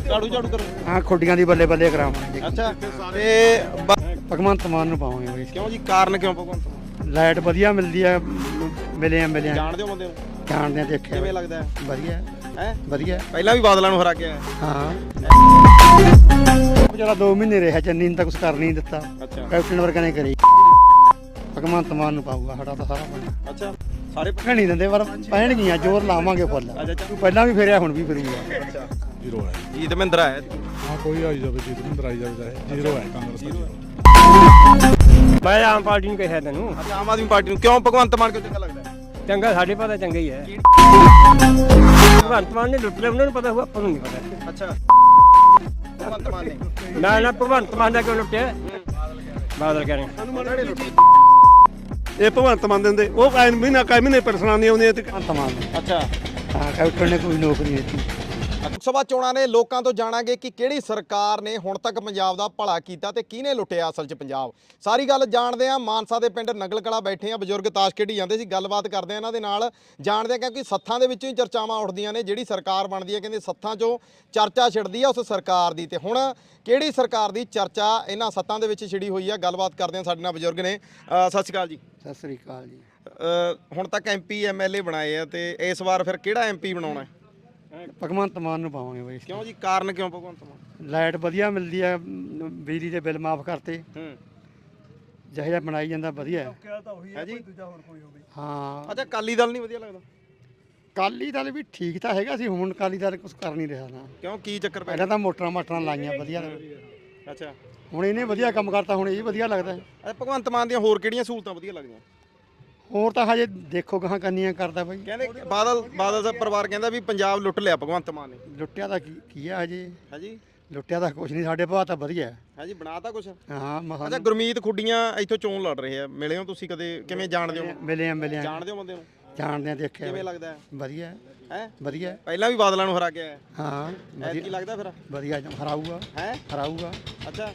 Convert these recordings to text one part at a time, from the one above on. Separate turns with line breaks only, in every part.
ਝਾੜੂ ਝਾੜੂ ਕਰੋ।
ਹਾਂ ਖੁੱਡੀਆਂ ਦੀ ਬੱਲੇ ਬੱਲੇ ਕਰਾਵਾਂਗੇ।
ਅੱਛਾ ਤੇ
ਭਗਵੰਤ ਮਾਨ ਨੂੰ ਪਾਵਾਂਗੇ ਬਈ।
ਕਿਉਂ ਜੀ, ਕਾਰਨ ਕਿਉਂ ਭਗਵੰਤ ਮਾਨ?
ਲਾਈਟ ਵਧੀਆ ਮਿਲਦੀ ਆ, ਮਿਲੇ ਆ
ਜਾਣਦੇ ਹੋ ਬੰਦੇ ਨੂੰ?
ਜਾਣਦੇ ਆ, ਦੇਖਿਆ।
ਕਿਵੇਂ ਲੱਗਦਾ ਹੈ?
ਵਧੀਆ
ਹੈ
ਵਧੀਆ।
ਪਹਿਲਾਂ ਵੀ ਬਾਦਲਾਂ ਨੂੰ ਹਰਾ ਕੇ ਆਇਆ।
ਹਾਂ ਜਿਹੜਾ 2 ਮਹੀਨੇ ਰਿਹਾ ਚੰਨੀ ਨੇ ਤਾਂ ਕੁਝ ਕਰ ਨਹੀਂ ਦਿੱਤਾ।
ਅੱਛਾ
ਕੈਪਟਨ ਵਰਗਾ ਨੇ ਕਰੀ। ਭਗਵੰਤ ਮਾਨ ਨੂੰ ਪਾਊਗਾ ਸਾਡਾ ਤਾਂ ਸਾਰਾ ਪਿੰਡ।
ਅੱਛਾ ਸਾਰੇ
ਨਹੀਂ ਦਿੰਦੇ ਪਰ ਪੈਣਗੀਆਂ, ਜ਼ੋਰ ਲਾਵਾਂਗੇ ਫੁੱਲ।
ਅੱਛਾ
ਤੂੰ ਪਹਿਲਾਂ ਵੀ ਫੇਰਿਆ, ਹੁਣ ਵੀ ਫਿਰੂਗਾ।
ਅੱਛਾ
ਜ਼ੀਰੋ ਹੈ।
ਜੀਤ ਮਹਿੰਦਰਾ ਹੈ।
ਹਾਂ ਕੋਈ ਆਈ ਜਾਵੇ, ਜੀਤ ਮਹਿੰਦਰ ਆਈ ਜਾਵੇ, ਜ਼ੀਰੋ ਹੈ ਕਾਂਗਰਸ ਦਾ ਜ਼ੀਰੋ।
ਮੈਂ ਆਮ ਪਾਰਟੀ ਨੂੰ ਕਿਹਾ ਤੈਨੂੰ।
ਅੱਛਾ ਆਮ ਆਦਮੀ ਪਾਰਟੀ ਨੂੰ ਕਿਉਂ, ਭਗਵੰਤ ਮਾਨ ਕਿਉਂ ਚੰਗਾ ਲੱਗਦਾ?
ਚੰਗਾ ਸਾਡੇ ਪਤਾ ਚੰਗਾ ਹੀ ਹੈ। ਭਗਵੰਤ ਮਾਨ ਨੇ ਲੁੱਟ ਲਿਆ, ਉਹਨਾਂ ਨੂੰ ਪਤਾ ਹੋਊ, ਆਪਾਂ ਨੂੰ ਨਹੀਂ ਪਤਾ।
ਅੱਛਾ ਭਗਵੰਤ ਮਾਨ ਨੇ
ਨਾ ਭਗਵੰਤ ਮਾਨ ਦਾ ਕਿਉਂ ਲੁੱਟਿਆ? ਬਾਦਲ ਕਹਿੰਦੇ
ਇਹ ਭਗਵੰਤ ਮਾਨ ਦਿੰਦੇ, ਉਹ ਕਾਇ ਮਹੀਨੇ ਪਰਸਨਾਂ ਨਹੀਂ ਆਉਂਦੀਆਂ।
ਭਗਵੰਤ ਮਾਨ ਨੇ।
ਅੱਛਾ
ਹਾਂ ਕੈਪਟਨ ਨੇ ਕੋਈ ਨੌਕਰੀ ਨਹੀਂ ਦਿੱਤੀ।
ਲੋਕ ਸਭਾ ਚੋਣਾਂ ਨੇ ਲੋਕਾਂ ਤੋਂ ਜਾਣਾਂਗੇ ਕਿ ਕਿਹੜੀ ਸਰਕਾਰ ਨੇ ਹੁਣ ਤੱਕ ਪੰਜਾਬ ਦਾ ਭਲਾ ਕੀਤਾ ਤੇ ਕਿਹਨੇ ਲੁੱਟਿਆ ਅਸਲ 'ਚ ਪੰਜਾਬ। ਸਾਰੀ ਗੱਲ ਜਾਣਦੇ ਆ। ਮਾਨਸਾ ਦੇ ਪਿੰਡ ਨੰਗਲ ਕਲਾਂ ਬੈਠੇ ਆ, ਬਜ਼ੁਰਗ ਤਾਸ਼ ਖੇਡੀ ਜਾਂਦੇ ਸੀ। ਗੱਲਬਾਤ ਕਰਦੇ ਆ ਇਹਨਾਂ ਦੇ ਨਾਲ, ਜਾਣਦੇ ਆ ਕਿਉਂਕਿ ਸੱਥਾਂ ਦੇ ਵਿੱਚੋਂ ਹੀ ਚਰਚਾਵਾਂ ਉੱਠਦੀਆਂ ਨੇ। ਜਿਹੜੀ ਸਰਕਾਰ ਬਣਦੀ ਹੈ ਕਹਿੰਦੇ ਸੱਥਾਂ 'ਚੋਂ ਚਰਚਾ ਛਿੜਦੀ ਆ ਉਸ ਸਰਕਾਰ ਦੀ, ਤੇ ਹੁਣ ਕਿਹੜੀ ਸਰਕਾਰ ਦੀ ਚਰਚਾ ਇਹਨਾਂ ਸੱਥਾਂ ਦੇ ਵਿੱਚ ਛਿੜੀ ਹੋਈ ਆ। ਗੱਲਬਾਤ ਕਰਦੇ ਆ, ਸਾਡੇ ਨਾਲ ਬਜ਼ੁਰਗ ਨੇ। ਸਤਿ ਸ਼੍ਰੀ ਅਕਾਲ ਜੀ।
ਸਤਿ ਸ੍ਰੀ ਅਕਾਲ ਜੀ।
ਹੁਣ ਤੱਕ MP MLA ਬਣਾਏ ਆ ਤੇ ਇਸ ਵਾਰ ਫਿਰ ਕਿਹੜਾ MP ਬਣਾਉਣਾ ਹੈ?
ਭਗਵੰਤ ਮਾਨ ਨੂੰ ਪਾਵਾਂਗੇ ਬਈ।
ਕਿਉਂ ਜੀ, ਕਾਰਨ ਕਿਉਂ ਭਗਵੰਤ ਮਾਨ?
ਲਾਈਟ ਵਧੀਆ ਮਿਲਦੀ ਆ, ਬਿਜਲੀ ਦੇ ਬਿੱਲ ਮਾਫ ਕਰਤੇ, ਜਿਹੋ ਜਿਹਾ ਬਣਾਈ ਜਾਂਦਾ ਵਧੀਆ
ਹੈ ਜੀ।
ਹਾਂ।
ਅੱਛਾ ਅਕਾਲੀ ਦਲ ਨਹੀਂ ਵਧੀਆ ਲੱਗਦਾ?
ਅਕਾਲੀ ਦਲ ਵੀ ਠੀਕ ਤਾਂ ਹੈਗਾ ਸੀ, ਹੁਣ ਅਕਾਲੀ ਦਲ ਕੁਝ ਕਰ ਨਹੀਂ ਰਿਹਾ ਨਾ।
ਕਿਉਂ, ਕੀ ਚੱਕਰ ਪੈ
ਪਹਿਲਾਂ ਤਾਂ ਮੋਟਰਾਂ ਮਾਟਰਾਂ ਲਾਈਆਂ ਵਧੀਆ,
ਗਿਆ? ਅੱਛਾ
ਹੁਣ ਇਹਨੇ ਵਧੀਆ ਕੰਮ ਕਰਤਾ, ਹੁਣ ਇਹ ਵਧੀਆ ਲੱਗਦਾ।
ਅੱਛਾ ਭਗਵੰਤ ਮਾਨ ਦੀਆਂ ਹੋਰ ਕਿਹੜੀਆਂ ਸਹੂਲਤਾਂ ਵਧੀਆ ਲੱਗਦੀਆਂ?
ਹੋਰ ਤਾਂ ਹਜੇ ਦੇਖੋ ਗਾਹਾਂ ਕੰਨੀਆਂ ਕਰਦਾ ਬਈ।
ਕਹਿੰਦੇ ਬਾਦਲ ਸਾਹਿਬ ਪਰਿਵਾਰ ਕਹਿੰਦਾ ਵੀ ਪੰਜਾਬ ਲੁੱਟ ਲਿਆ ਭਗਵੰਤ ਮਾਨ ਨੇ।
ਲੁੱਟਿਆ ਤਾਂ ਕੀ ਆ ਹਜੇ?
ਹੈ ਜੀ।
ਲੁੱਟਿਆ ਤਾਂ ਕੁਝ ਨਹੀਂ, ਸਾਡੇ ਭਾਅ ਤਾਂ ਵਧੀਆ
ਹੈ ਜੀ, ਬਣਾਤਾ ਕੁਛ?
ਹਾਂ ਮਸਾਂ
ਅੱਛਾ ਗੁਰਮੀਤ ਖੁੱਡੀਆਂ ਇੱਥੋਂ ਚੋਣ ਲੜ ਰਹੇ ਆ, ਮਿਲੇ ਹੋ ਤੁਸੀਂ ਕਦੇ? ਕਿਵੇਂ ਜਾਣਦੇ ਹੋ?
ਮਿਲੇ ਆ
ਜਾਣਦੇ ਹੋ ਬੰਦੇ ਨੂੰ?
ਜਾਣਦੇ ਆ, ਦੇਖਿਆ।
ਕਿਵੇਂ ਲੱਗਦਾ ਹੈ?
ਵਧੀਆ
ਹੈ
ਵਧੀਆ।
ਪਹਿਲਾਂ ਵੀ ਬਾਦਲਾਂ ਨੂੰ ਹਰਾ ਕੇ ਆਇਆ।
ਹਾਂ
ਕੀ ਲੱਗਦਾ ਫਿਰ?
ਵਧੀਆ ਹਰਾਊਗਾ।
ਹੈ
ਹਰਾਊਗਾ।
ਅੱਛਾ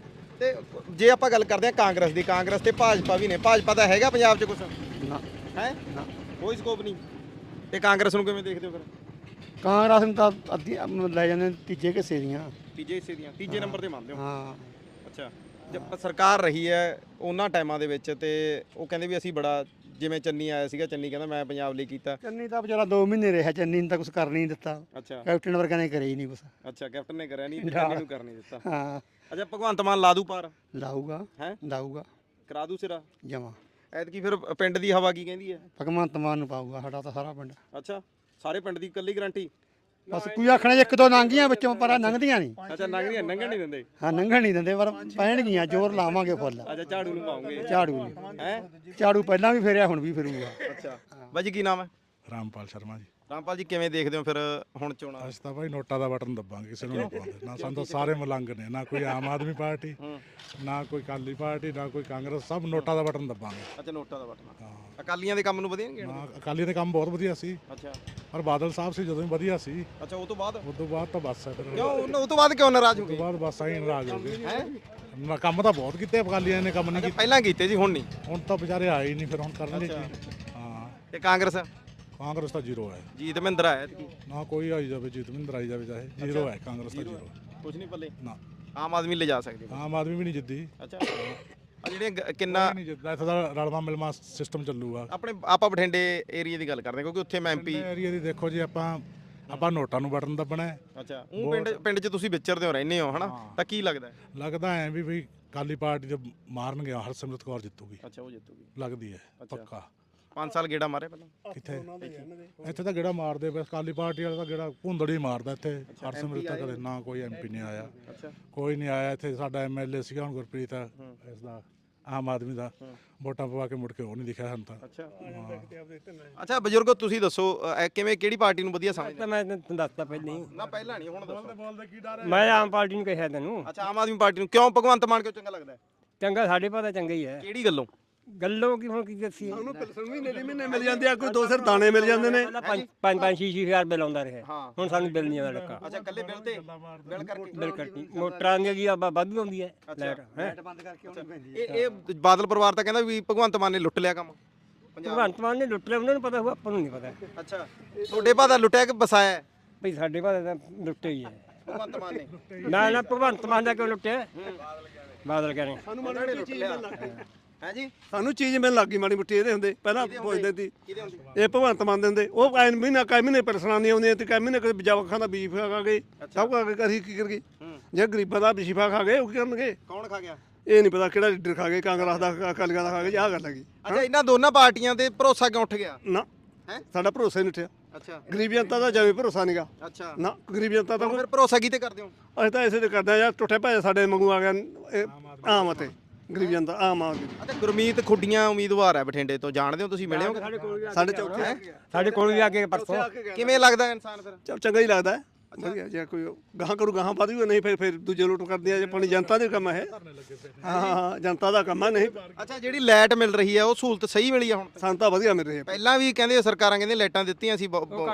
ਤੇ ਜੇ ਆਪਾਂ ਗੱਲ ਕਰਦੇ ਆ ਕਾਂਗਰਸ ਦੀ, ਕਾਂਗਰਸ ਤੇ ਭਾਜਪਾ ਵੀ ਨੇ। ਭਾਜਪਾ ਤਾਂ ਹੈਗਾ ਪੰਜਾਬ 'ਚ ਕੁਛ?
ਨਾ
ਹੈ
ਨਾ।
ਕੋਈ ਸਕੋਪ ਨਹੀਂ। ਤੇ ਕਾਂਗਰਸ ਨੂੰ ਕਿਵੇਂ ਦੇਖਦੇ ਹੋ ਫਿਰ?
ਕਾਂਗਰਸ ਨੂੰ ਤਾਂ ਅੱਧੀ ਲੈ ਜਾਂਦੇ ਨੇ ਤੀਜੇ ਹਿੱਸੇ ਦੀਆਂ।
ਤੀਜੇ ਹਿੱਸੇ ਦੀਆਂ, ਤੀਜੇ ਨੰਬਰ ਤੇ ਮੰਨਦੇ ਹੋ?
ਹਾਂ।
ਅੱਛਾ ਜਦ ਸਰਕਾਰ ਰਹੀ ਹੈ ਉਹਨਾਂ ਟਾਈਮਾਂ ਦੇ ਵਿੱਚ ਤੇ ਉਹ ਕਹਿੰਦੇ ਵੀ ਅਸੀਂ ਬੜਾ, ਜਿਵੇਂ ਚੰਨੀ ਆਇਆ ਸੀਗਾ, ਚੰਨੀ ਕਹਿੰਦਾ ਮੈਂ ਪੰਜਾਬ ਲਈ ਕੀਤਾ।
ਚੰਨੀ ਤਾਂ ਵਿਚਾਰਾ 2 ਮਹੀਨੇ ਰਿਹਾ, ਚੰਨੀ ਨੇ ਤਾਂ ਕੁਝ ਕਰ ਨਹੀਂ ਦਿੱਤਾ।
ਅੱਛਾ
ਕੈਪਟਨ ਵਰਗਾ ਨੇ ਕਰਿਆ ਹੀ ਨਹੀਂ ਕੁਝ।
ਅੱਛਾ ਕੈਪਟਨ ਨੇ ਕਰਿਆ ਨਹੀਂ, ਚੰਨੀ ਨੂੰ ਕਰ ਨਹੀਂ ਦਿੱਤਾ।
ਹਾਂ
ਅੱਛਾ ਭਗਵੰਤ ਮਾਨ ਲਾ ਦੂ ਪਾਰ?
ਲਾਊਗਾ।
ਹੈ
ਲਾਊਗਾ
ਕਰਾ ਦੂ ਸਿਰਾ?
ਜਮਾ।
ਐਤਕੀ ਫਿਰ ਪਿੰਡ ਦੀ ਹਵਾ ਕੀ ਕਹਿੰਦੀ ਹੈ?
ਭਗਵੰਤ ਮਾਨ ਨੂੰ ਪਾਊਗਾ ਸਾਡਾ ਤਾਂ ਸਾਰਾ ਪਿੰਡ।
ਅੱਛਾ ਸਾਰੇ ਪਿੰਡ ਦੀ ਇਕੱਲੀ ਗਰੰਟੀ?
ਬਸ ਕੋਈ ਆਖਣਾ 1-2 ਲੰਘੀਆਂ ਵਿੱਚੋਂ, ਪਰ ਲੰਘਦੀਆਂ ਨਹੀਂ।
ਅੱਛਾ ਲੰਘਣ ਨਹੀਂ ਦਿੰਦੇ?
ਹਾਂ ਲੰਘਣ ਨਹੀਂ ਦਿੰਦੇ, ਪਰ ਪੈਣਗੀਆਂ, ਜ਼ੋਰ ਲਾਵਾਂਗੇ ਫੁੱਲ।
ਅੱਛਾ ਝਾੜੂ ਨੂੰ ਪਾਉਂਗੇ?
ਝਾੜੂ ਨਹੀਂ।
ਹੈ
ਝਾੜੂ ਪਹਿਲਾਂ ਵੀ ਫੇਰਿਆ, ਹੁਣ ਵੀ ਫਿਰੂਗਾ।
ਅੱਛਾ ਬਾਜੀ ਕੀ ਨਾਮ ਹੈ?
ਰਾਮਪਾਲ ਸ਼ਰਮਾ ਜੀ।
ਰਾਮਪਾਲ ਜੀ ਕਿਵੇਂ ਦੇਖਦੇ ਹੋ ਫਿਰ ਹੁਣ ਚੋਣਾਂ?
ਅਸੀਂ ਤਾਂ ਭਾਈ ਨੋਟਾਂ ਦਾ ਬਟਨ ਦੱਬਾਂਗੇ, ਕਿਸੇ ਨੂੰ ਨਹੀਂ ਪਾਉਂਦੇ। ਨਾ ਸਾਨੂੰ ਤਾਂ ਸਾਰੇ ਮਲੰਗ ਨੇ, ਨਾ ਕੋਈ ਆਮ ਆਦਮੀ ਪਾਰਟੀ, ਨਾ ਕੋਈ ਅਕਾਲੀ ਪਾਰਟੀ, ਨਾ ਕੋਈ ਕਾਂਗਰਸ, ਸਭ ਨੋਟਾਂ ਦਾ ਬਟਨ ਦੱਬਾਂਗੇ।
ਅੱਛਾ ਨੋਟਾਂ ਦਾ ਬਟਨ।
ਹਾਂ
ਅਕਾਲੀਆਂ ਦੇ ਕੰਮ ਨੂੰ ਵਧੀਆ ਨਹੀਂ
ਨਾ, ਅਕਾਲੀ ਦੇ ਕੰਮ ਬਹੁਤ ਵਧੀਆ ਸੀ,
ਅੱਛਾ
ਪਰ ਬਾਦਲ ਸਾਹਿਬ ਸੀ ਜਦੋਂ ਵੀ ਵਧੀਆ ਸੀ।
ਅੱਛਾ ਉਹ ਤੋਂ ਬਾਅਦ?
ਉਸ ਤੋਂ ਬਾਅਦ ਤਾਂ ਬਸ ਹੈ ਫਿਰ।
ਕਿਉਂ ਉਹ ਤੋਂ ਬਾਅਦ ਕਿਉਂ ਨਾਰਾਜ਼ ਹੋ
ਉਸ ਤੋਂ
ਗਏ?
ਬਾਅਦ ਬਸ ਆਈ ਨਾਰਾਜ਼ ਹੋ ਗਏ।
ਹੈ
ਨਾ ਕੰਮ ਤਾਂ ਬਹੁਤ ਕੀਤੇ ਅਕਾਲੀਆਂ ਨੇ, ਕੰਮ ਨਹੀਂ ਕੀਤੇ।
ਪਹਿਲਾਂ ਕੀਤੇ ਜੀ, ਹੁਣ ਨਹੀਂ?
ਹੁਣ ਤਾਂ ਵਿਚਾਰੇ ਆਏ ਹੀ ਨਹੀਂ, ਫਿਰ ਹੁਣ ਕਰਨਗੇ ਕੀ? ਹਾਂ
ਤੇ ਕਾਂਗਰਸ?
ਕਾਂਗਰਸ ਤਾਂ ਜ਼ੀਰੋ ਹੈ।
ਜੀਤ ਮਹਿੰਦਰਾ ਹੈ?
ਨਾ ਕੋਈ ਆਈ ਜਾਵੇ, ਜੀਤ ਮਹਿੰਦਰ ਆਈ ਜਾਵੇ, ਜ਼ੀਰੋ ਹੈ ਕਾਂਗਰਸ ਦਾ ਜ਼ੀਰੋ।
ਕੁਝ ਨਹੀਂ ਪੱਲੇ?
ਨਾ
ਆਮ ਆਦਮੀ ਲੈ ਜਾ ਸਕਦੇ?
ਆਮ ਆਦਮੀ ਵੀ ਨਹੀਂ ਜਿੱਦੀ।
ਅੱਛਾ ਆ ਜਿਹੜੇ ਕਿੰਨਾ
ਨਹੀਂ ਜਿੱਤਦਾ, ਇੱਥੇ ਦਾ ਰਲਵਾ ਮਿਲਵਾ ਸਿਸਟਮ ਚੱਲੂਗਾ।
ਆਪਾਂ ਬਠਿੰਡੇ ਏਰੀਆ ਦੀ ਗੱਲ ਕਰਦੇ ਕਿਉਂਕਿ ਉੱਥੇ ਮੈਂ MP।
ਏਰੀਆ ਦੀ ਦੇਖੋ ਜੀ, ਆਪਾਂ ਨੋਟਾਂ ਨੂੰ ਬਟਨ ਦੱਬਣਾ ਹੈ।
ਅੱਛਾ ਉਹ ਪਿੰਡ 'ਚ ਤੁਸੀਂ ਵਿਚਰਦੇ ਹੋ, ਰਹਿੰਦੇ ਹੋ ਹਨਾ, ਤਾਂ ਕੀ ਲੱਗਦਾ?
ਲੱਗਦਾ ਐ ਵੀ ਕਾਲੀ ਪਾਰਟੀ ਦੇ ਮਾਰਨਗੇ, ਹਰਸਿਮਰਤ ਕੌਰ ਜਿੱਤੂਗੀ।
ਅੱਛਾ ਉਹ ਜਿੱਤੂਗੀ
ਲੱਗਦੀ ਹੈ ਪੱਕਾ।
5 ਸਾਲ ਗੇੜਾ ਮਾਰੇ ਪਹਿਲਾਂ?
ਕਿੱਥੇ ਇੱਥੇ ਤਾਂ ਗੇੜਾ ਮਾਰਦੇ ਬਸ, ਕਾਲੀ ਪਾਰਟੀ ਵਾਲਾ ਤਾਂ ਗੇੜਾ ਭੁੰਦੜੀ ਮਾਰਦਾ ਇੱਥੇ। ਹਰਸਿਮਰਤ ਤਾਂ ਕਦੇ ਨਾ ਕੋਈ MP ਨਹੀਂ ਆਇਆ, ਕੋਈ ਨਹੀਂ ਆਇਆ ਇੱਥੇ। ਸਾਡਾ MLA ਸੀਗਾ ਹੁਣ ਗੁਰਪ੍ਰੀਤ ਇਸ ਦਾ, ਆਮ ਆਦਮੀ ਦਾ, ਵੋਟਾਂ ਪਵਾ ਕੇ ਮੁੜ ਕੇ ਉਹ ਨਹੀਂ ਦਿਖਿਆ ਸਾਨੂੰ ਤਾਂ।
ਅੱਛਾ ਬਜ਼ੁਰਗੋ ਤੁਸੀਂ ਦੱਸੋ ਕਿਵੇਂ, ਕਿਹੜੀ ਪਾਰਟੀ ਨੂੰ ਵਧੀਆ ਸਮਝਦੇ?
ਮੈਂ ਤੈਨੂੰ ਦੱਸਤਾ ਪਹਿਲਾਂ ਹੀ।
ਨਾ ਪਹਿਲਾਂ ਨਹੀਂ, ਹੁਣ ਦੱਸੋ।
ਮੈਂ ਆਮ ਪਾਰਟੀ ਨੂੰ ਕਿਹਾ ਤੈਨੂੰ।
ਅੱਛਾ ਆਮ ਆਦਮੀ ਪਾਰਟੀ ਨੂੰ ਕਿਉਂ, ਭਗਵੰਤ ਮਾਨ ਕਿਉਂ ਚੰਗਾ ਲੱਗਦਾ?
ਚੰਗਾ ਸਾਡੇ ਪਤਾ ਚੰਗਾ ਹੀ ਹੈ।
ਕਿਹੜੀ ਗੱਲੋਂ?
ਗੱਲੋਂ ਕੀ ਹੁਣ ਕੀ ਦੱਸੀ?
ਉਹਨੂੰ ਪਿਲਸਣ ਮਹੀਨੇ ਦੀ ਮਹੀਨੇ ਮਿਲ ਜਾਂਦੀ ਆ, ਕੋਈ 2 ਸਿਰ ਦਾਣੇ ਮਿਲ ਜਾਂਦੇ ਨੇ।
5-6 ਬਿੱਲ ਆਉਂਦਾ ਰਿਹਾ, ਹੁਣ ਸਾਨੂੰ ਬਿੱਲ ਨਹੀਂ ਆਉਂਦਾ ਲੱਗਾ।
ਅੱਛਾ ਕੱਲੇ ਬਿੱਲ ਤੇ? ਬਿੱਲ ਕਰਕੇ?
ਬਿੱਲ ਕੱਟੀ ਮੋਟਰਾਂ ਦੀ ਜੀ ਵਾਧੂ ਆਉਂਦੀ ਹੈ ਲਾਈਟ।
ਲਾਈਟ ਬੰਦ ਕਰਕੇ ਆਉਣੀ ਪੈਂਦੀ।
ਇਹ ਬਾਦਲ ਪਰਿਵਾਰ ਤਾਂ ਕਹਿੰਦਾ ਵੀ ਭਗਵੰਤ ਮਾਨ ਨੇ ਲੁੱਟ ਲਿਆ ਕੰਮ ਪੰਜਾਬ।
ਭਗਵੰਤ ਮਾਨ ਨੇ ਲੁੱਟ ਲਿਆ, ਉਹਨਾਂ ਨੂੰ ਪਤਾ ਹੋਊ, ਆਪਾਂ ਨੂੰ ਨਹੀਂ ਪਤਾ।
ਅੱਛਾ ਤੁਹਾਡੇ ਭਾਅ ਦਾ ਲੁੱਟਿਆ ਕਿ ਵਸਾਇਆ?
ਭਈ ਸਾਡੇ ਭਾਅ ਦਾ ਲੁੱਟੇ ਹੀ ਹੈ।
ਭਗਵੰਤ ਮਾਨ ਨੇ
ਨਾ ਭਗਵੰਤ ਮਾਨ ਦਾ ਕਿਉਂ ਲੁੱਟਿਆ ਬਾਦਲ ਕਹਿੰਦੇ
ਸਾਨੂੰ ਮਾੜੀ ਮੋਟੀ ਚੀਜ਼ ਮਿਲਣ ਲੱਗ ਗਈ
ਹੈ ਜੀ
ਸਾਨੂੰ ਚੀਜ਼ ਮਿਲਣ ਲੱਗ ਗਈ ਮਾੜੀ ਮੋਟੀ ਇਹਦੇ ਹੁੰਦੇ ਪਹਿਲਾਂ ਪੁੱਛਦੇ ਸੀ
ਕਿਹਦੇ ਹੁੰਦੇ
ਇਹ ਭਗਵੰਤ ਮਾਨ ਦੇ ਹੁੰਦੇ ਉਹ ਐਨ ਮਹੀਨਾ ਕਈ ਮਹੀਨੇ ਪਰੇਸ਼ਾਨੀ ਆਉਂਦੀਆਂ ਤੇ ਕਈ ਮਹੀਨੇ ਕਦੇ ਜਵਾਕਾਂ ਦਾ ਬੀਫ ਖਾ ਗਏ ਸਭ ਖਾ ਕੇ ਅਸੀਂ ਕੀ ਕਰ ਗਏ ਜੇ ਗਰੀਬਾਂ ਦਾ ਬੀਫਾ ਖਾ ਗਏ ਉਹ ਕੀ ਕਰਨਗੇ
ਕੌਣ ਖਾ ਗਿਆ
ਇਹ ਨਹੀਂ ਪਤਾ ਕਿਹੜਾ ਲੀਡਰ ਖਾ ਗਏ ਕਾਂਗਰਸ ਦਾ ਅਕਾਲੀਆਂ ਦਾ ਖਾ ਗਏ ਆਹ ਗੱਲ ਹੈਗੀ
ਅੱਛਾ ਇਹਨਾਂ ਦੋਨਾਂ ਪਾਰਟੀਆਂ ਤੇ ਭਰੋਸਾ ਕਿਉਂ ਉੱਠ ਗਿਆ
ਨਾ
ਹੈ
ਸਾਡਾ ਭਰੋਸਾ ਹੀ ਨਹੀਂ ਉੱਠਿਆ
ਅੱਛਾ
ਗਰੀਬ ਜਨਤਾ ਦਾ ਜਿਵੇਂ ਭਰੋਸਾ ਨਹੀਂਗਾ
ਅੱਛਾ
ਨਾ ਗਰੀਬ ਜਨਤਾ ਦਾ
ਫਿਰ ਭਰੋਸਾ ਕਿਤੇ ਕਰਦੇ ਹੋ
ਅਸੀਂ ਤਾਂ ਇਸੇ ਤੇ ਕਰਦੇ ਆ ਯਾਰ ਟੁੱਟੇ ਭਾਜੇ ਸਾਡੇ ਵਾਂਗੂ ਆ ਗਿਆ ਇਹ ਆਮ ਅਤੇ ਗਰੀਬ ਜਨਤਾ ਆਮ ਆਦਮੀ
ਅਤੇ ਗੁਰਮੀਤ ਖੁੱਡੀਆਂ ਉਮੀਦਵਾਰ ਹੈ ਬਠਿੰਡੇ ਤੋਂ ਜਾਣਦੇ ਹੋ ਤੁਸੀਂ ਮਿਲੇ ਹੋ
ਸਾਡੇ ਚੌਥੇ
ਸਾਡੇ ਕੋਲ ਵੀ ਆ ਕੇ ਪਰਸੋਂ
ਕਿਵੇਂ ਲੱਗਦਾ ਇਨਸਾਨ ਫਿਰ
ਚੱਲ ਚੰਗਾ ਹੀ ਲੱਗਦਾ ਹੈ ਵਧੀਆ ਜੇ ਕੋਈ ਗਾਹਾਂ ਕਰੂ ਗਾਹਾਂ ਵੱਧ ਵੀ ਨਹੀਂ ਫਿਰ ਦੂਜੇ ਲੁੱਟ ਕਰਦੇ ਆ ਜੇ ਆਪਣੀ ਜਨਤਾ ਦੇ ਕੰਮ ਹੈ ਹਾਂ ਜਨਤਾ ਦਾ ਕੰਮ ਹੈ ਨਹੀਂ
ਅੱਛਾ ਜਿਹੜੀ ਲਾਈਟ ਮਿਲ ਰਹੀ ਹੈ ਉਹ ਸਹੂਲਤ ਸਹੀ ਮਿਲੀ ਆ ਹੁਣ
ਸਾਨੂੰ ਤਾਂ ਵਧੀਆ ਮਿਲ ਰਹੀ ਹੈ
ਪਹਿਲਾਂ ਵੀ ਕਹਿੰਦੇ ਸਰਕਾਰਾਂ ਕਹਿੰਦੇ ਲਾਈਟਾਂ ਦਿੱਤੀਆਂ ਸੀ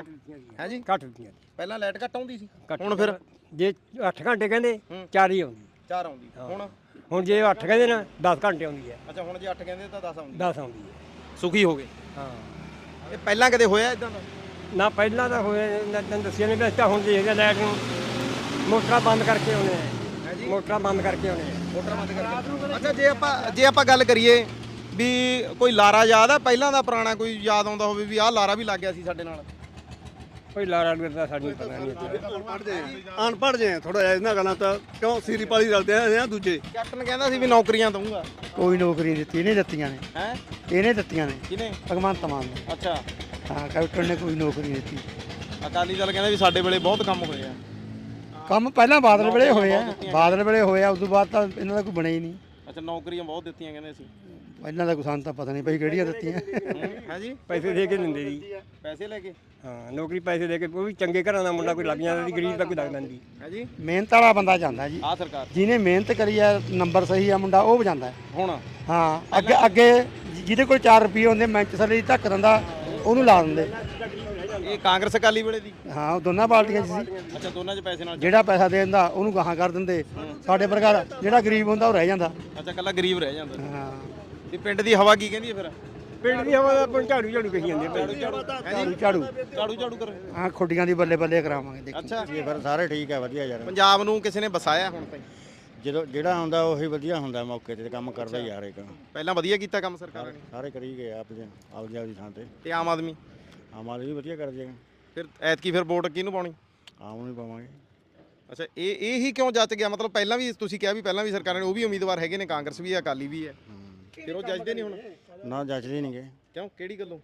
ਹੈ ਜੀ
ਘੱਟ ਦਿੱਤੀਆਂ
ਪਹਿਲਾਂ ਲਾਈਟ ਘੱਟ ਆਉਂਦੀ ਸੀ ਹੁਣ ਫਿਰ
ਜੇ 8 ਘੰਟੇ ਕਹਿੰਦੇ 4 ਹੀ ਆਉਂਦੀ
4 ਆਉਂਦੀ
ਹੁਣ ਜੇ 8 ਕਹਿੰਦੇ ਨਾ 10 ਘੰਟੇ ਆਉਂਦੀ ਹੈ
ਅੱਛਾ ਹੁਣ ਜੇ 8 ਕਹਿੰਦੇ ਤਾਂ 10 ਆਉਂਦੀ
10 ਆਉਂਦੀ ਹੈ
ਸੁਖੀ ਹੋ ਗਏ
ਹਾਂ
ਇਹ ਪਹਿਲਾਂ ਕਦੇ ਹੋਇਆ ਇਦਾਂ ਦਾ
ਨਾ ਪਹਿਲਾਂ ਤਾਂ ਹੋਇਆ ਤੈਨੂੰ ਦੱਸਿਆ ਨਹੀਂ ਤਾਂ ਹੁਣ ਦੇਖਦੇ ਲਾਈਟ ਨੂੰ ਮੋਟਰਾਂ ਬੰਦ ਕਰਕੇ ਆਉਣੇ ਆ ਮੋਟਰਾਂ ਬੰਦ ਕਰਕੇ ਆਉਣੇ ਆ
ਮੋਟਰ ਬੰਦ ਕਰਕੇ ਅੱਛਾ ਜੇ ਆਪਾਂ ਗੱਲ ਕਰੀਏ ਵੀ ਕੋਈ ਲਾਰਾ ਯਾਦ ਆ ਪਹਿਲਾਂ ਦਾ ਪੁਰਾਣਾ ਕੋਈ ਯਾਦ ਆਉਂਦਾ ਹੋਵੇ ਵੀ ਆਹ ਲਾਰਾ ਵੀ ਲੱਗ ਗਿਆ ਸੀ ਸਾਡੇ ਨਾਲ
ਕੋਈ ਲਾਰਾ ਲੁਰਾ ਸਾਨੂੰ ਪਤਾ ਨਹੀਂ
ਅਨਪੜ੍ਹ ਜੇ ਥੋੜਾ ਜਿਹਾ ਇਹਨਾਂ ਗੱਲਾਂ ਤਾਂ ਕਿਉਂ ਸੀਰੀ ਪਾਲੀ ਰਲਦੇ ਆ ਦੂਜੇ
ਕੈਪਟਨ ਕਹਿੰਦਾ ਸੀ ਵੀ ਨੌਕਰੀਆਂ ਦਊਂਗਾ
ਕੋਈ ਨੌਕਰੀ ਦਿੱਤੀ ਇਹਨੇ ਦਿੱਤੀਆਂ ਨੇ
ਹੈ
ਇਹਨੇ ਦਿੱਤੀਆਂ ਨੇ
ਕਿਹਨੇ
ਭਗਵੰਤ ਮਾਨ ਨੇ
ਅੱਛਾ
ਹਾਂ ਕੈਪਟਨ ਨੇ ਕੋਈ ਨੌਕਰੀ ਨਹੀਂ ਦਿੱਤੀ
ਅਕਾਲੀ ਦਲ ਕਹਿੰਦਾ ਵੀ ਸਾਡੇ ਵੇਲੇ ਬਹੁਤ ਕੰਮ ਹੋਏ ਆ
ਕੰਮ ਪਹਿਲਾਂ ਬਾਦਲ ਵੇਲੇ ਹੋਏ ਆ ਬਾਦਲ ਵੇਲੇ ਹੋਇਆ ਉਸ ਤੋਂ ਬਾਅਦ ਤਾਂ ਇਹਨਾਂ ਦਾ ਕੋਈ ਬਣਿਆ ਹੀ ਨਹੀਂ
ਅੱਛਾ ਨੌਕਰੀਆਂ ਬਹੁਤ ਦਿੱਤੀਆਂ ਕਹਿੰਦੇ ਸੀ
ਇਹਨਾਂ ਦਾ ਕੋਈ ਸਾਨੂੰ ਤਾਂ ਪਤਾ ਨਹੀਂ ਭਾਈ ਕਿਹੜੀਆਂ ਦਿੱਤੀਆਂ
ਹੈ ਜੀ
ਪੈਸੇ ਦੇ ਕੇ ਦਿੰਦੇ ਜੀ
ਪੈਸੇ ਲੈ ਕੇ
ਹਾਂ ਨੌਕਰੀ ਪੈਸੇ ਦੇ ਕੇ ਉਹ ਵੀ ਚੰਗੇ ਘਰਾਂ ਦਾ ਮੁੰਡਾ ਕੋਈ ਲੱਗ ਜਾਂਦਾ ਸੀ ਗਰੀਬ ਦਾ ਕੋਈ ਲੱਗਦਾ ਨਹੀਂ
ਹੈ ਜੀ
ਮਿਹਨਤ ਵਾਲਾ ਬੰਦਾ ਜਾਂਦਾ ਜੀ
ਆਹ ਸਰਕਾਰ
ਜਿਹਨੇ ਮਿਹਨਤ ਕਰੀ ਆ ਨੰਬਰ ਸਹੀ ਆ ਮੁੰਡਾ ਉਹ ਵਜਾਂਦਾ
ਹੁਣ
ਹਾਂ ਅੱਗੇ ਜਿਹਦੇ ਕੋਲ 4 ਰੁਪਏ ਹੁੰਦੇ ਮੈਂਚਸਟਰ ਦੀ ਧੱਕ ਦਿੰਦਾ ਉਹਨੂੰ ਲਾ ਦਿੰਦੇ
ਇਹ ਕਾਂਗਰਸ ਅਕਾਲੀ ਵੇਲੇ ਦੀ
ਹਾਂ ਉਹ ਦੋਨਾਂ ਪਾਰਟੀਆਂ 'ਚ ਸੀ
ਅੱਛਾ ਦੋਨਾਂ 'ਚ ਪੈਸੇ ਨਾਲ
ਜਿਹੜਾ ਪੈਸਾ ਦੇ ਦਿੰਦਾ ਉਹਨੂੰ ਗਾਹਾਂ ਕਰ ਦਿੰਦੇ ਸਾਡੇ ਵਰਗਾ ਜਿਹੜਾ ਗਰੀਬ ਹੁੰਦਾ ਉਹ ਰਹਿ ਜਾਂਦਾ
ਅੱਛਾ ਕੱਲਾ ਗਰੀਬ ਰਹਿ ਜਾਂਦਾ
ਹਾਂ
ਤੇ ਪਿੰਡ ਦੀ ਹਵਾ ਕੀ ਕਹਿੰਦੀ ਹੈ ਫਿਰ
ਪਿੰਡ ਦੀ ਹਵਾ ਦਾ ਆਪਾਂ ਨੂੰ ਝਾੜੂ ਝਾੜੂ ਕਹੀ ਜਾਂਦੇ ਆ
ਝਾੜੂ
ਝਾੜੂ ਕਰ
ਹਾਂ ਖੁੱਡੀਆਂ ਦੀ ਬੱਲੇ ਬੱਲੇ ਕਰਾਵਾਂਗੇ ਦੇਖੀ
ਅੱਛਾ
ਫਿਰ ਸਾਰੇ ਠੀਕ ਹੈ ਵਧੀਆ ਯਾਰ
ਪੰਜਾਬ ਨੂੰ ਕਿਸੇ ਨੇ ਵਸਾਇਆ ਹੁਣ ਤਾਈਂ
ਜਦੋਂ ਜਿਹੜਾ ਆਉਂਦਾ ਉਹੀ ਵਧੀਆ ਹੁੰਦਾ ਮੌਕੇ ਤੇ ਕੰਮ ਕਰਦਾ ਯਾਰ ਇੱਕ
ਪਹਿਲਾਂ ਵਧੀਆ ਕੀਤਾ ਕੰਮ ਸਰਕਾਰਾਂ ਨੇ
ਸਾਰੇ ਕਰੀ ਗਏ ਆਪਦੀ ਥਾਂ ਤੇ
ਤੇ ਆਮ ਆਦਮੀ
ਆਮ ਆਦਮੀ ਵੀ ਵਧੀਆ ਕਰ ਜਾਏਗਾ
ਫਿਰ ਐਤਕੀ ਫਿਰ ਵੋਟ ਕਿਹਨੂੰ ਪਾਉਣੀ
ਆਮ ਨੂੰ ਹੀ ਪਾਵਾਂਗੇ
ਅੱਛਾ ਇਹ ਹੀ ਕਿਉਂ ਜੱਜ ਗਿਆ ਮਤਲਬ ਪਹਿਲਾਂ ਵੀ ਤੁਸੀਂ ਕਿਹਾ ਵੀ ਪਹਿਲਾਂ ਵੀ ਸਰਕਾਰਾਂ ਨੇ ਉਹ ਵੀ ਉਮੀਦਵਾਰ ਹੈਗੇ ਨੇ ਕਾਂਗਰਸ ਵੀ ਹੈ ਅਕਾਲੀ ਵੀ ਹੈ ਫਿਰ ਉਹ ਜੱਜਦੇ ਨਹੀਂ ਹੁਣ
ਨਾ ਜੱਜਦੇ ਨਹੀਂਗੇ
ਕਿਉਂ ਕਿਹੜੀ ਗੱਲੋਂ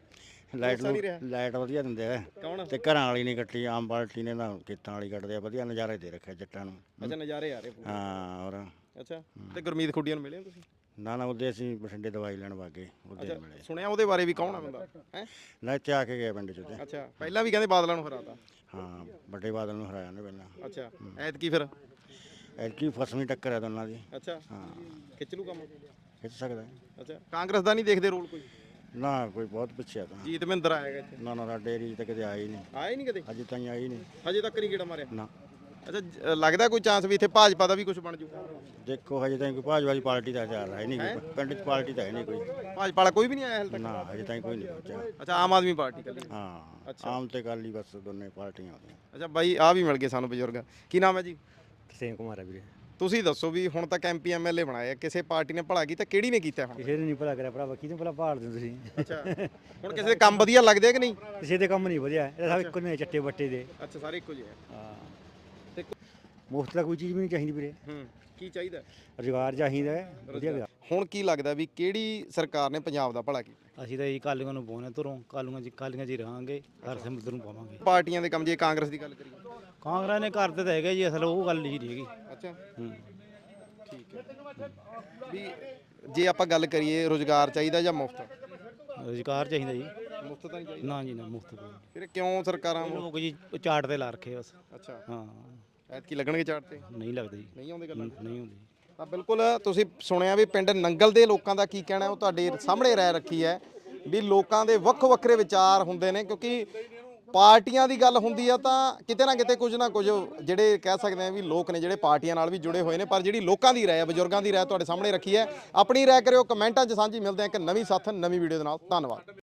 ਲਾਈਟ ਵਧੀਆ ਦਿੰਦੇ ਆ
ਕੌਣ
ਤੇ ਘਰਾਂ ਵਾਲੀ ਨਹੀਂ ਕੱਟੀ ਆਮ ਪਾਰਟੀ ਨੇ ਨਾ ਖੇਤਾਂ ਵਾਲੀ ਕੱਟਦੇ ਆ ਵਧੀਆ ਨਜ਼ਾਰੇ ਦੇ ਰੱਖਿਆ ਜੱਟਾਂ ਨੂੰ
ਅੱਛਾ ਨਜ਼ਾਰੇ ਆ ਰਹੇ ਪੂਰੇ।
ਹਾਂ ਔਰ
ਅੱਛਾ ਤੇ ਗੁਰਮੀਤ ਖੁੱਡੀਆਂ ਨੂੰ ਮਿਲੇ ਹੋ ਤੁਸੀਂ
ਨਾ ਉਹਦੇ ਅਸੀਂ ਬਠਿੰਡੇ ਦਵਾਈ ਲੈਣ ਵਾਗੇ ਉਹਦੇ ਮਿਲੇ
ਸੁਣਿਆ ਉਹਦੇ ਬਾਰੇ ਵੀ ਕੌਣ ਆ ਬੰਦਾ ਹੈ
ਨਾ ਇੱਥੇ ਆ ਕੇ ਗਏ ਪਿੰਡ ਚ ਤੇ
ਅੱਛਾ ਪਹਿਲਾਂ ਵੀ ਕਹਿੰਦੇ ਬਾਦਲਾਂ ਨੂੰ ਹਰਾਤਾ
ਹਾਂ ਵੱਡੇ ਬਾਦਲ ਨੂੰ ਹਰਾਇਆ ਨੇ ਪਹਿਲਾਂ
ਅੱਛਾ ਐਤਕੀ ਫਿਰ
ਐਤਕੀ ਫਸਵੀਂ ਟੱਕਰ ਹੈ ਦੋਨਾਂ ਦੀ
ਅੱਛਾ
ਹਾਂ
ਖਿੱਚ ਲੂ ਕੰਮ
ਖਿੱਚ ਸਕਦਾ
ਅੱਛਾ ਕਾਂਗਰਸ ਦਾ ਨਹੀਂ ਦੇਖਦੇ ਰੋਲ ਕੋਈ
ਨਾ ਕੋਈ ਬਹੁਤ ਪਿੱਛੇ ਆ ਤਾਂ
ਜੀਤ ਮਹਿੰਦਰ ਆਏਗਾ ਇੱਥੇ
ਨਾ ਨਾ ਸਾਡੇ ਏਰੀਏ 'ਚ ਤਾਂ ਕਦੇ ਆਏ ਹੀ ਨਹੀਂ
ਆਏ ਨਹੀਂ ਕਦੇ
ਅਜੇ ਤਾਈਂ ਆਏ ਹੀ ਨਹੀਂ
ਹਜੇ ਤੱਕ ਨਹੀਂ ਗੇੜਾ ਮਾਰਿਆ
ਨਾ
ਅੱਛਾ ਲੱਗਦਾ ਕੋਈ ਚਾਂਸ ਵੀ ਇੱਥੇ ਭਾਜਪਾ ਦਾ ਵੀ ਕੁਝ ਬਣ ਜੂ
ਦੇਖੋ ਹਜੇ ਤਾਈਂ ਕੋਈ ਭਾਜਪਾ ਦੀ ਪਾਰਟੀ ਦਾ ਚੱਲ ਹੈ ਨਹੀਂ ਕੋਈ ਪਿੰਡ 'ਚ ਪਾਰਟੀ ਤਾਂ ਹੈ ਨਹੀਂ ਕੋਈ
ਭਾਜਪਾ ਵਾਲਾ ਕੋਈ ਵੀ ਨਹੀਂ ਆਇਆ ਹਾਲੇ ਤੱਕ
ਨਾ ਹਜੇ ਤਾਈਂ ਕੋਈ ਨਹੀਂ ਪਹੁੰਚਿਆ
ਅੱਛਾ ਆਮ ਆਦਮੀ ਪਾਰਟੀ ਕੱਲੀ
ਹਾਂ ਆਮ ਤੇ ਗੱਲ ਹੀ ਬਸ ਦੋਨੇ ਪਾਰਟੀਆਂ ਆਉਂਦੀਆਂ
ਅੱਛਾ ਬਾਈ ਆ ਵੀ ਮਿਲ ਗਏ ਸਾਨੂੰ ਬਜ਼ੁਰਗ ਕੀ ਨਾਮ ਹੈ ਜੀ
ਕਿਸੇਨ ਕੁਮਾਰ ਹੈ ਵੀਰੇ
ਤੁਸੀਂ ਦੱਸੋ ਵੀ ਹੁਣ ਤੱਕ ਐਮਪੀ ਐਮਐਲਏ ਬਣਾਏ ਕਿਸੇ ਪਾਰਟੀ ਨੇ ਭਲਾ ਕੀਤਾ ਕਿਹੜੀ ਨੇ ਕੀਤਾ ਹੁਣ
ਕਿਸੇ ਨੇ ਨਹੀਂ ਭਲਾ ਕਰਿਆ ਭਰਾਵਾ ਕਿਹਨੂੰ ਭਲਾ ਭਾਲ ਦਿੰਦੇ ਤੁਸੀਂ
ਅੱਛਾ ਹੁਣ ਕਿਸੇ ਦੇ ਕੰਮ ਵਧੀਆ ਲੱਗਦੇ ਆ ਕਿ ਨਹੀਂ
ਕਿਸੇ ਦੇ ਕੰਮ ਨਹੀਂ ਵਧਿਆ ਇਹ ਸਭ ਇੱਕੋ ਨੇ ਚੱਟੇ ਬੱਟੇ ਦੇ
ਅੱਛਾ ਸਾਰੇ ਇੱਕੋ ਜਿਹੇ ਆ
ਹਾਂ
ਤੇ
ਮੁਫਤ ਦਾ ਕੋਈ ਚੀਜ਼ ਵੀ ਨਹੀਂ ਚਾਹੀਦੀ ਵੀਰੇ
ਕੀ ਚਾਹੀਦਾ
ਰੁਜ਼ਗਾਰ ਚਾਹੀਦਾ ਹੈ ਵਧੀਆ ਵਿਆਹ।
ਹੁਣ ਕੀ ਲੱਗਦਾ ਵੀ ਕਿਹੜੀ ਸਰਕਾਰ ਨੇ ਪੰਜਾਬ ਦਾ ਭਲਾ ਕੀਤਾ
ਅਸੀਂ ਤਾਂ ਇਹ ਕਾਲੀਆਂ ਨੂੰ ਪਾਉਣੇ ਧਰੋਂ ਕਾਲੀਆਂ ਜੀ ਰਹਾਂਗੇ ਹਰ ਸਿਮਤ ਨੂੰ ਪਾਵਾਂਗੇ
ਪਾਰਟੀਆਂ ਦੇ ਕੰਮ ਜੇ ਕਾਂਗਰਸ ਦੀ ਗੱਲ ਕਰੀਏ
ਕਾਂਗਰਸ ਨੇ ਕਰਦੇ ਤਾਂ ਹੈਗਾ ਜੀ ਅਸਲ ਉਹ ਗੱਲ ਨਹੀਂ ਹੈਗੀ
ਅੱਛਾ
ਹੂੰ
ਠੀਕ ਹੈ ਵੀ ਜੇ ਆਪਾਂ ਗੱਲ ਕਰੀਏ ਰੋਜ਼ਗਾਰ ਚਾਹੀਦਾ ਜਾਂ ਮੁਫਤ
ਰੁਜ਼ਗਾਰ ਚਾਹੀਦਾ ਜੀ
ਮੁਫਤ ਤਾਂ ਨਹੀਂ ਚਾਹੀਦਾ
ਨਾ ਜੀ ਨਾ ਮੁਫਤ ਕੋਈ
ਫਿਰ ਕਿਉਂ ਸਰਕਾਰਾਂ
ਲੋਕ ਜੀ ਚਾਟ ਤੇ ਲਾ ਰੱਖੇ ਬਸ
ਅੱਛਾ
ਹਾਂ
ਐਤਕੀ ਲੱਗਣਗੇ ਚਾਰਟ ਤੇ
ਨਹੀਂ ਲੱਗਦਾ ਜੀ
ਨਹੀਂ ਆਉਂਦੇ ਗੱਲਾਂ
ਨਹੀਂ ਹੁੰਦੀ
ਤਾਂ ਬਿਲਕੁਲ ਤੁਸੀਂ ਸੁਣਿਆ ਵੀ ਪਿੰਡ ਨੰਗਲ ਦੇ ਲੋਕਾਂ ਦਾ ਕੀ ਕਹਿਣਾ ਉਹ ਤੁਹਾਡੇ ਸਾਹਮਣੇ ਰਹਿ ਰੱਖੀ ਹੈ ਵੀ ਲੋਕਾਂ ਦੇ ਵੱਖੋ ਵੱਖਰੇ ਵਿਚਾਰ ਹੁੰਦੇ ਨੇ ਕਿਉਂਕਿ ਪਾਰਟੀਆਂ ਦੀ ਗੱਲ ਹੁੰਦੀ ਆ ਤਾਂ ਕਿਤੇ ਨਾ ਕਿਤੇ ਕੁਝ ਨਾ ਕੁਝ ਜਿਹੜੇ ਕਹਿ ਸਕਦੇ ਆ ਵੀ ਲੋਕ ਨੇ ਜਿਹੜੇ ਪਾਰਟੀਆਂ ਨਾਲ ਵੀ ਜੁੜੇ ਹੋਏ ਨੇ ਪਰ ਜਿਹੜੀ ਲੋਕਾਂ ਦੀ ਰਾਏ ਹੈ ਬਜ਼ੁਰਗਾਂ ਦੀ ਰਾਏ ਤੁਹਾਡੇ ਸਾਹਮਣੇ ਰੱਖੀ ਹੈ ਆਪਣੀ ਰਾਏ ਕਰਿਓ ਕਮੈਂਟਾਂ 'ਚ ਸਾਂਝੀ ਮਿਲਦੇ ਆ ਇੱਕ ਨਵੀਂ ਸਾਥ ਨਵੀਂ ਵੀਡੀਓ ਦੇ ਨਾਲ ਧੰਨਵਾਦ।